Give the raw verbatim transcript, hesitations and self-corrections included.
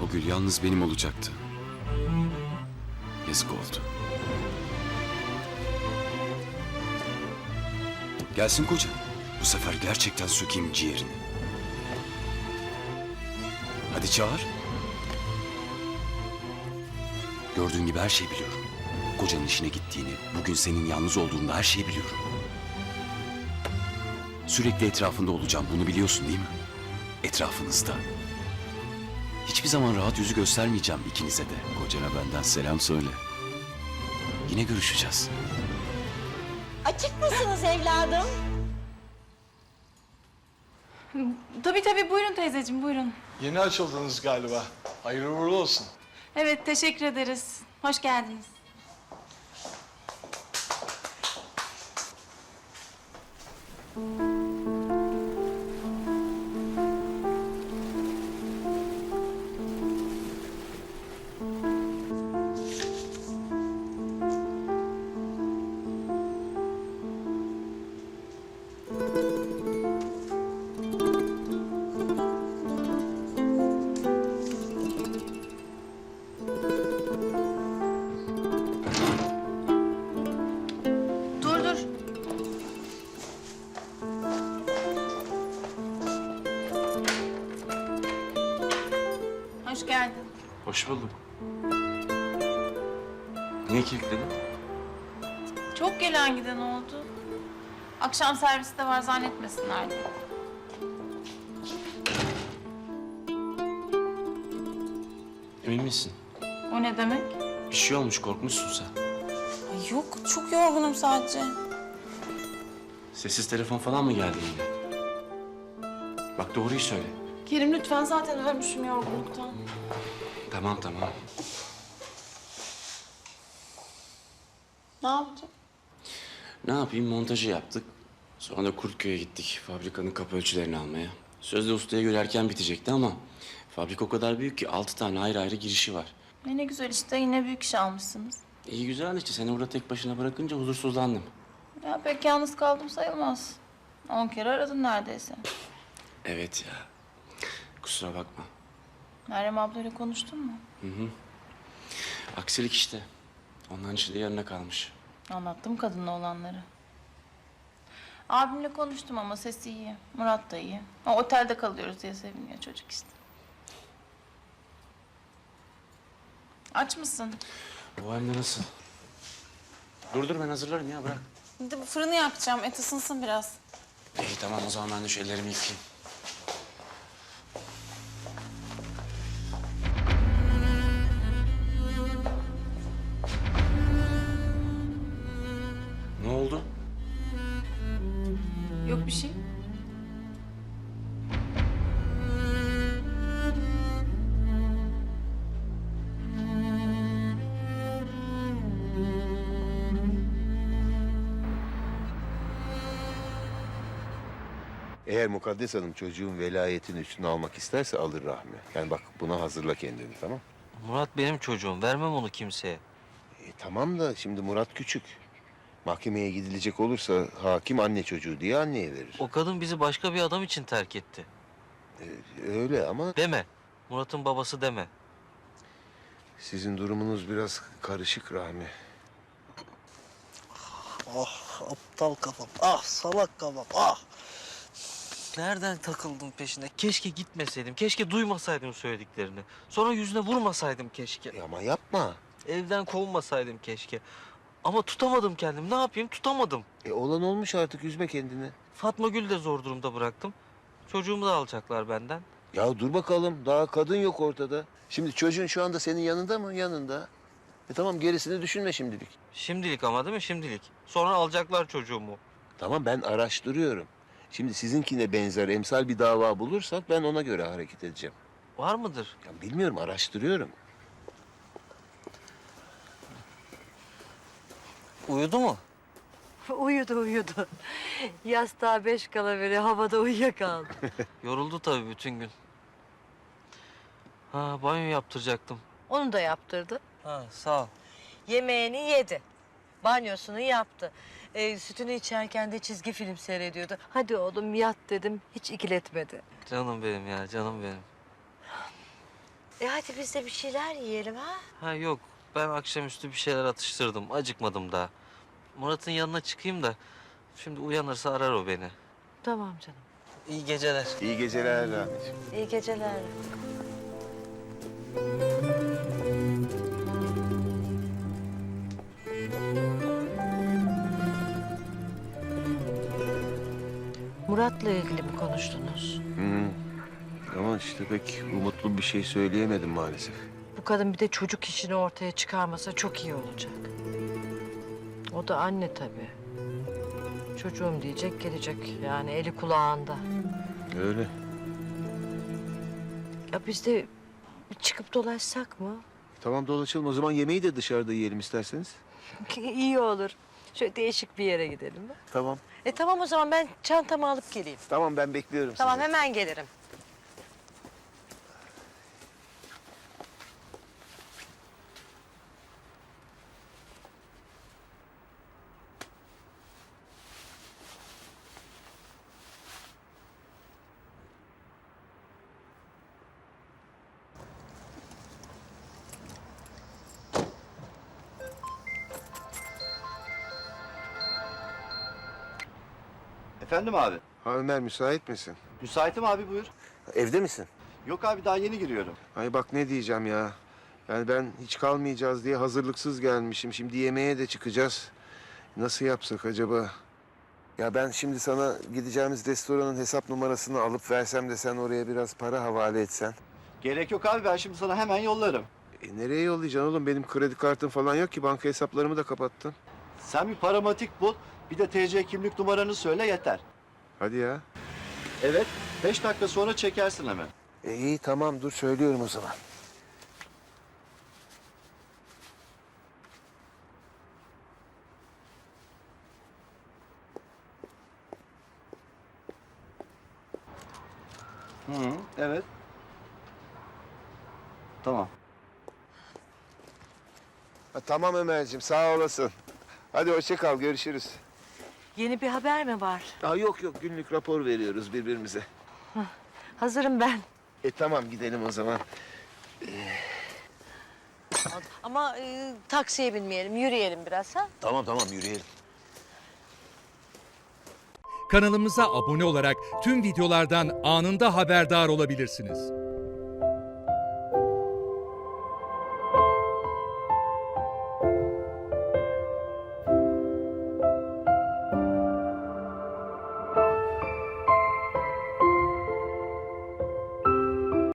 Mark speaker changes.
Speaker 1: O gül yalnız benim olacaktı. Yazık oldu. Gelsin koca. Bu sefer gerçekten sökeyim ciğerini. Hadi çağır. Gördüğün gibi her şeyi biliyorum. Kocanın işine gittiğini, bugün senin yalnız olduğunda her şeyi biliyorum. Sürekli etrafında olacağım, bunu biliyorsun değil mi? Etrafınızda. Hiçbir zaman rahat yüzü göstermeyeceğim ikinize de. Kocana benden selam söyle. Yine görüşeceğiz.
Speaker 2: Açık mısınız evladım?
Speaker 3: Tabii tabii, buyurun teyzeciğim, buyurun.
Speaker 4: Yeni açıldınız galiba. Hayırlı uğurlu olsun.
Speaker 3: Evet, teşekkür ederiz. Hoş geldiniz. Dur dur. Hoş geldin.
Speaker 1: Hoş bulduk. Niye kilitledin?
Speaker 3: Çok gelen giden oldu. Akşam servisi de var, zannetmesinler diye.
Speaker 5: Emin misin?
Speaker 3: O ne demek?
Speaker 5: Bir şey olmuş, korkmuşsun sen.
Speaker 3: Ay yok, çok yorgunum sadece.
Speaker 5: Sessiz telefon falan mı geldi yine? Bak doğruyu söyle.
Speaker 3: Kerim lütfen, zaten ölmüşüm yorgunluktan.
Speaker 5: Tamam tamam.
Speaker 3: Ne yapacağım?
Speaker 5: Ne yapayım, montajı yaptık. Sonra da Kurtköy'e gittik fabrikanın kapı ölçülerini almaya. Sözde ustaya göre erken bitecekti ama fabrika o kadar büyük ki altı tane ayrı ayrı girişi var.
Speaker 3: E ne güzel işte, yine büyük iş almışsınız.
Speaker 5: İyi güzel işte, seni burada tek başına bırakınca huzursuzlandım.
Speaker 3: Ya pek yalnız kaldım sayılmaz. On kere aradın neredeyse.
Speaker 5: Evet ya, kusura bakma.
Speaker 3: Meryem ablayla konuştun mu?
Speaker 5: Aksilik işte. Onların işi de yarına kalmış.
Speaker 3: Anlattım kadınla olanları. Abimle konuştum ama sesi iyi. Murat da iyi. O otelde kalıyoruz diye seviniyor çocuk işte. Aç mısın?
Speaker 5: Bu hem de nasıl? Dur dur, ben hazırlarım ya, bırak.
Speaker 3: Bir de bu fırını yakacağım. Et ısınsın biraz.
Speaker 5: İyi tamam, o zaman ben de şu ellerimi yıkayayım. Ne oldu?
Speaker 3: Yok bir şey.
Speaker 6: Eğer Mukaddes Hanım çocuğun velayetini üstüne almak isterse alır Rahmi. Yani bak, buna hazırla kendini, tamam?
Speaker 7: Murat benim çocuğum. Vermem onu kimseye.
Speaker 6: E, tamam da şimdi Murat küçük. Mahkemeye gidilecek olursa hakim anne çocuğu diye anneye verir.
Speaker 7: O kadın bizi başka bir adam için terk etti.
Speaker 6: E, öyle ama
Speaker 7: Deme. Murat'ın babası deme.
Speaker 6: sizin durumunuz biraz karışık Rahmi.
Speaker 8: Ah aptal kafam, ah salak kafam, ah.
Speaker 7: Nereden takıldım peşine? Keşke gitmeseydim. Keşke duymasaydım söylediklerini. Sonra yüzüne vurmasaydım keşke.
Speaker 6: E, ama yapma.
Speaker 7: Evden kovulmasaydım keşke. Ama tutamadım kendimi. Ne yapayım? Tutamadım.
Speaker 6: E, olan olmuş, artık üzme kendini.
Speaker 7: Fatma Gül'ü de zor durumda bıraktım. Çocuğumu da alacaklar benden.
Speaker 6: Ya dur bakalım, daha kadın yok ortada. Şimdi çocuğun şu anda senin yanında mı? Yanında. E tamam, gerisini düşünme şimdilik.
Speaker 7: Şimdilik ama değil mi? Şimdilik. Sonra alacaklar çocuğumu.
Speaker 6: Tamam, ben araştırıyorum. Şimdi sizinkine benzer emsal bir dava bulursak ben ona göre hareket edeceğim.
Speaker 7: Var mıdır?
Speaker 6: Ya bilmiyorum, araştırıyorum.
Speaker 7: Uyudu mu?
Speaker 9: Uyudu uyudu. Yastığa beş kala böyle havada uyuyakaldı.
Speaker 7: Yoruldu tabii bütün gün. Ha, banyo yaptıracaktım.
Speaker 9: Onu da yaptırdı.
Speaker 7: Ha, sağ ol.
Speaker 9: Yemeğini yedi. Banyosunu yaptı. Ee, sütünü içerken de çizgi film seyrediyordu. Hadi oğlum yat dedim. Hiç ikiletmedi.
Speaker 7: Canım benim ya, canım benim.
Speaker 9: E hadi biz de bir şeyler yiyelim ha.
Speaker 7: Ha yok, ben akşamüstü bir şeyler atıştırdım. Acıkmadım daha. Murat'ın yanına çıkayım da şimdi uyanırsa arar o beni.
Speaker 9: Tamam canım.
Speaker 7: İyi geceler.
Speaker 6: İyi geceler Rahmi'ciğim.
Speaker 9: İyi geceler. Murat'la ilgili mi konuştunuz?
Speaker 6: Hı. Ama işte pek umutlu bir şey söyleyemedim maalesef.
Speaker 9: Bu kadın bir de çocuk işini ortaya çıkarmasa çok iyi olacak. O da anne tabii. Çocuğum diyecek gelecek yani eli kulağında.
Speaker 6: Öyle.
Speaker 9: Ya biz de bir çıkıp dolaşsak mı?
Speaker 6: Tamam dolaşalım. O zaman yemeği de dışarıda yiyelim isterseniz.
Speaker 9: İyi olur. Şöyle değişik bir yere gidelim mi?
Speaker 6: Tamam.
Speaker 9: E tamam o zaman ben çantamı alıp geleyim.
Speaker 6: Tamam ben bekliyorum
Speaker 9: Tamam
Speaker 6: sizi.
Speaker 9: hemen gelirim.
Speaker 10: Efendim abi.
Speaker 6: Ha Ömer müsait misin?
Speaker 10: Müsaitim abi buyur.
Speaker 6: Evde misin?
Speaker 10: Yok abi daha yeni giriyorum.
Speaker 6: Ay bak ne diyeceğim ya. Yani ben hiç kalmayacağız diye hazırlıksız gelmişim. Şimdi yemeğe de çıkacağız. Nasıl yapsak acaba? Ya ben şimdi sana gideceğimiz restoranın hesap numarasını alıp versem de sen oraya biraz para havale etsen.
Speaker 10: Gerek yok abi ben şimdi sana hemen yollarım.
Speaker 6: E nereye yollayacaksın oğlum? Benim kredi kartım falan yok ki. Banka hesaplarımı da kapattın.
Speaker 10: Sen bir paramatik bul. Bir de T C kimlik numaranı söyle yeter.
Speaker 6: Hadi ya.
Speaker 10: Evet. Beş dakika sonra çekersin hemen.
Speaker 6: E, iyi tamam dur söylüyorum o zaman.
Speaker 10: Hı hı. Evet. Tamam.
Speaker 6: Ha, tamam Ömerciğim sağ olasın. Hadi hoşça kal görüşürüz.
Speaker 9: Yeni bir haber mi var?
Speaker 6: Aa, yok yok günlük rapor veriyoruz birbirimize.
Speaker 9: Hazırım ben.
Speaker 6: E tamam gidelim o zaman.
Speaker 9: Ama e, taksiye binmeyelim, yürüyelim biraz ha.
Speaker 6: Tamam tamam yürüyelim.
Speaker 11: Kanalımıza abone olarak tüm videolardan anında haberdar olabilirsiniz.